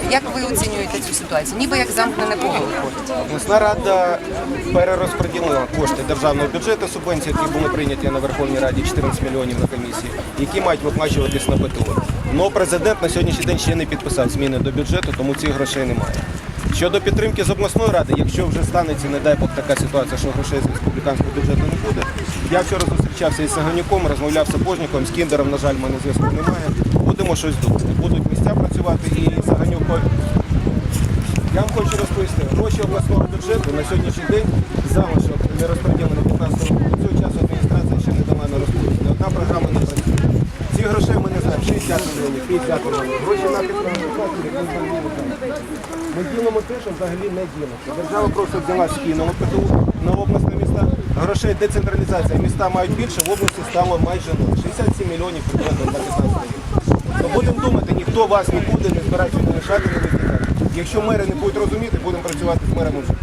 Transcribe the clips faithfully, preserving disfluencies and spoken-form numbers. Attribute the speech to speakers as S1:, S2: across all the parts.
S1: Як ви оцінюєте цю ситуацію? Ніби як замкнене коло виходить.
S2: Обласна рада перерозподілила кошти державного бюджету, субвенції, які були прийняті на Верховній Раді, чотирнадцять мільйонів на комісії, які мають виплачуватись на ПТУ. Але президент на сьогоднішній день ще не підписав зміни до бюджету, тому цих грошей немає. Щодо підтримки з обласної ради, якщо вже станеться, не дай Бог, така ситуація, що грошей з республіканського бюджету не буде. Я вчора зустрічався із Саганюком, розмовляв з Сапожником, з Кіндером, на жаль, в мене зв'язку немає. Будемо щось думати. Будуть місця працювати і Саганюк. Я вам хочу розповісти, гроші обласного бюджету на сьогоднішній день залишок не розподілені п'ятнадцятого року. До цього часу адміністрація ще не дала на розподіл. Одна програма не працює. Ці грошей ми не знаємо, шістдесят мільйонів, п'ятдесят мільйонів. Гроші на підтримку. Ми ділимо те, що взагалі не ділиться. Держава просто взяла скинула ПТУ на обласні міста. Грошей децентралізація. Міста мають більше, в області стало майже нуль. шістдесят сім мільйонів приблизно на п'ятнадцятий рік. То будемо думати, ніхто вас не буде, не збирається не лишати, не викидати. Якщо мери не будуть розуміти, будемо працювати з мерами вже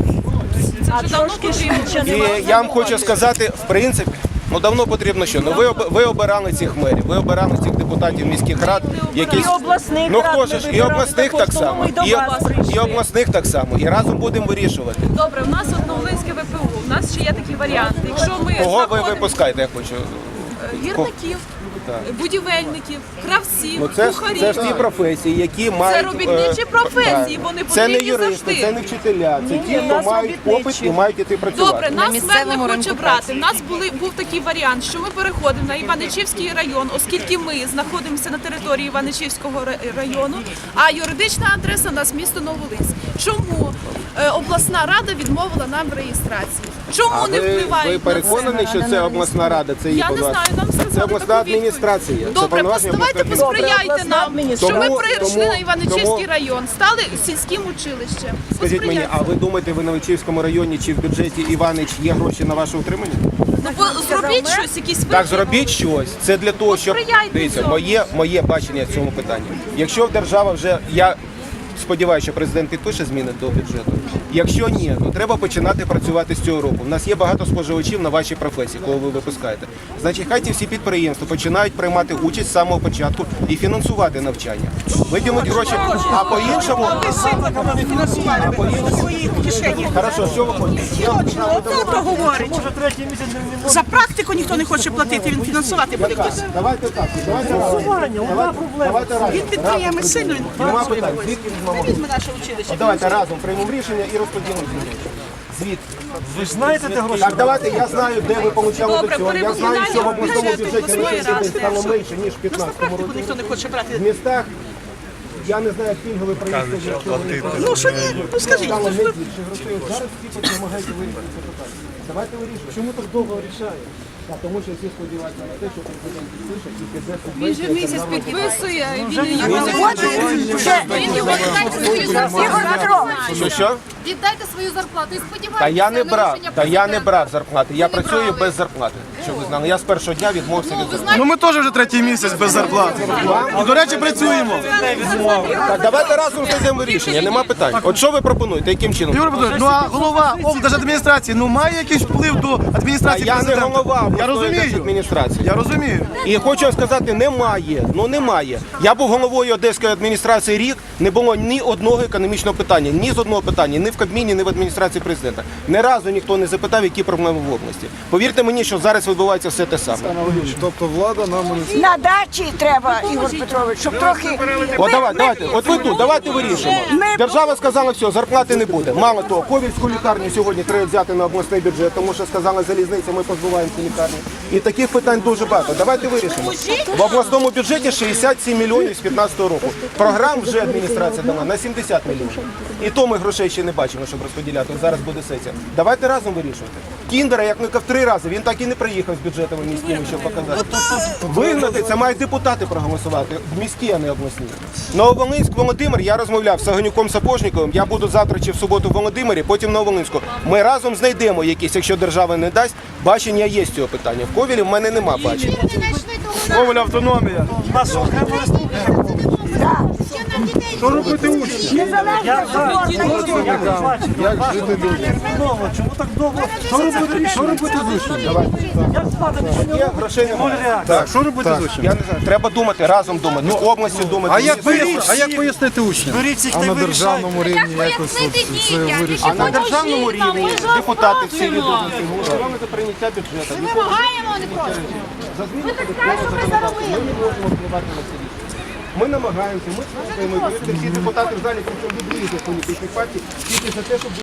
S2: по-іншому. І я вам хочу сказати, в принципі, ну давно потрібно що? Ну ви, ви обирали цих мерів, ви обирали цих депутатів міських рад, які...
S3: І обласних
S2: ну,
S3: рад
S2: хто ж, і обласних так само, і, і обласних так само, і разом будемо вирішувати.
S4: Добре, у нас Нововолинське ВПУ, у нас ще є такі варіанти. Якщо ми
S2: Кого ви
S4: знаходимо
S2: випускаєте, я хочу?
S4: гірників, будівельників, кравців,
S2: Ну, це, ж,
S4: кухарів.
S2: це ж ті професії, які мають...
S4: Це робітничі
S2: е,
S4: професії,
S2: так.
S4: вони
S2: Це не
S4: потрібні
S2: юристи,
S4: завжди.
S2: це не вчителя, це ті, хто мають попит і мають іти працювати.
S4: Добре, нас
S1: місцевому
S4: мер не
S1: ринку
S4: хоче брати. У нас були, був такий варіант, що ми переходимо на Іваничівський район, оскільки ми знаходимося на території Іваничівського району, а юридична адреса у нас місто Нововолинськ. Чому е, обласна рада відмовила нам в реєстрації? Чому
S2: А
S4: не
S2: ви,
S4: впливають
S2: ви
S4: на
S2: переконані,
S4: це?
S2: що це обласна рада, це її
S4: Я не знаю, нам сказали
S2: Це обласна
S4: таку відповідь.
S2: адміністрація. Це
S4: Добре,
S2: повноваження
S4: давайте
S2: обласної
S4: посприяйте
S3: Добре,
S4: нам,
S3: обласна
S4: щоб ми
S2: Тому-
S4: прийшли
S2: тому-
S4: на Іваничівський
S2: тому-
S4: район, стали сільським училищем.
S2: Скажіть мені,
S4: Посприяйте.
S2: а ви думаєте, ви на Личівському районі чи в бюджеті Іванич є гроші на ваше утримання?
S4: Ну, бо зробіть щось, якісь
S2: Так,
S4: вихід.
S2: зробіть щось. Це для того, щоб...
S4: Посприяйте
S2: Дивіться,
S4: цьому.
S2: моє, моє бачення в цьому питанні. Якщо держава вже... Я сподіваюся, що президент підпише зміни до бюджету. Якщо ні, то треба починати працювати з цього року. У нас є багато споживачів на вашій професії, кого ви випускаєте. Значить, хай ті всі підприємства починають приймати участь з самого початку і фінансувати навчання. Виділити гроші, а по-іншому... А по-іншому... Хорошо, що ви хочете?
S5: Хто говорить? За практику ніхто не хоче платити, він фінансувати буде.
S2: Давайте так, давайте разом. Давайте разом.
S5: Він підприємець сильно, він
S2: Нема
S5: фінансує.
S2: питань. Звідки візьмемо?
S5: Візьме наше училище.
S2: От давайте разом приймемо рішення і розподілимо ці гроші. Звідки?
S6: Ви ж знаєте, де гроші?
S2: Так, давайте, я знаю, де ви получали
S4: Добре,
S2: до цього. Я знаю, що в обласному
S4: перевиконання
S2: бюджеті на
S4: обласної
S2: сьогоднішній день
S4: ради.
S2: стало менше, ніж в
S5: За
S2: п'ятнадцятому
S5: практику
S2: році.
S5: ніхто не хоче брати.
S2: В містах, я не знаю, як пільгові проїзди.
S5: Ну що ні, ну скажіть.
S2: Стало не більше грошей. От зараз всі допомагають вирішити це питання. Давайте вирішуємо. Чому так довго рішає? Так, тому що всі сподіваються на те, що президент підпише і піде
S4: Він же
S2: субвенція.
S4: місяць підписує, і він
S2: Він
S4: його
S2: не
S4: не
S2: хоче.
S4: Він його не
S3: Ігор Петрович,
S2: Що, що?
S7: Віддайте свою зарплату і сподівайтеся
S2: Та я не
S7: на
S2: брав,
S7: рішення
S2: та я не
S7: президента.
S2: брав зарплати. Я
S7: Ви не
S2: працюю
S7: брали.
S2: без зарплати. Щоб ви знали, я з першого дня відмовився від
S7: Ну, ви
S2: зарплати.
S6: Ну ми теж вже третій місяць без зарплати. І, до речі, працюємо.
S2: Так, давайте разом знайдемо рішення, нема питань. От що ви пропонуєте, яким чином?
S6: Ігор Петрович, ну а голова облдержадміністрації, ну має якийсь вплив до
S2: А
S6: адміністрації
S2: я не
S6: президента?
S2: голова
S6: Я
S2: обласної
S6: розумію.
S2: держадміністрації.
S6: Я розумію.
S2: І хочу вам сказати, немає. Ну немає. Я був головою Одеської адміністрації рік, не було ні одного економічного питання, ні з одного питання, ні в Кабміні, ні в адміністрації президента. Ні разу ніхто не запитав, які проблеми в області. Повірте мені, що зараз відбувається все те саме.
S6: Тобто влада нам...
S3: на дачі треба, Ігор Петрович, щоб трохи...
S2: От давай, давайте, от ви тут, давайте вирішимо.
S3: Ми-
S2: Держава сказала, все, зарплати не буде. Мало того, Ковільську лікарню сьогодні треба взяти на обласний бюджет, тому що сказала залізниця, ми позбуваємося лікарні. І таких питань дуже багато. Давайте вирішимо. В обласному бюджеті шістдесят сім мільйонів з п'ятнадцятого року. Програм вже адміністрація дала на сімдесят мільйонів. І то ми грошей ще не бачимо, щоб розподіляти. От зараз буде сесія. Давайте разом вирішувати. Кіндера, як не в три рази, він так і не приїхав з бюджетами міськими, щоб показати. Вигнати це мають депутати проголосувати, міські, а не обласні. Нововолинськ, Володимир, я розмовляв з Саганюком Сапожниковим, я буду завтра чи в суботу в Володимирі, потім на Волинську. Ми разом знайдемо якісь, якщо держава не дасть, бачення є з цього питання. В Ковілі в мене нема бачення.
S6: Коваль автономія.
S7: Це не
S6: Що робити учні?
S3: Незалежно
S6: Як жити людям?
S8: Чому так довго?
S6: Що робити, що робити з учнями?
S2: Є, грошей немає.
S6: Так, що робити з учнями?
S2: Я не знаю, треба думати, разом думати, з областю думати.
S6: А як,
S2: з
S6: пояснити, а як пояснити учням?
S8: Беріть всіх
S6: А
S8: та
S6: на
S8: вирішайте.
S6: державному рівні якось от це вирішити?
S2: А на державному рівні депутати всі відомості голосували за прийняття бюджету.
S7: Ми вимагаємо, а не просимо. Ми так кажемо, ми заробили.
S2: Ми не можемо впливати на це рішення. Ми намагаємося, ми слухаємо, і повірте, всі депутати в залі, причому від різних політичних партій, тільки за те, щоб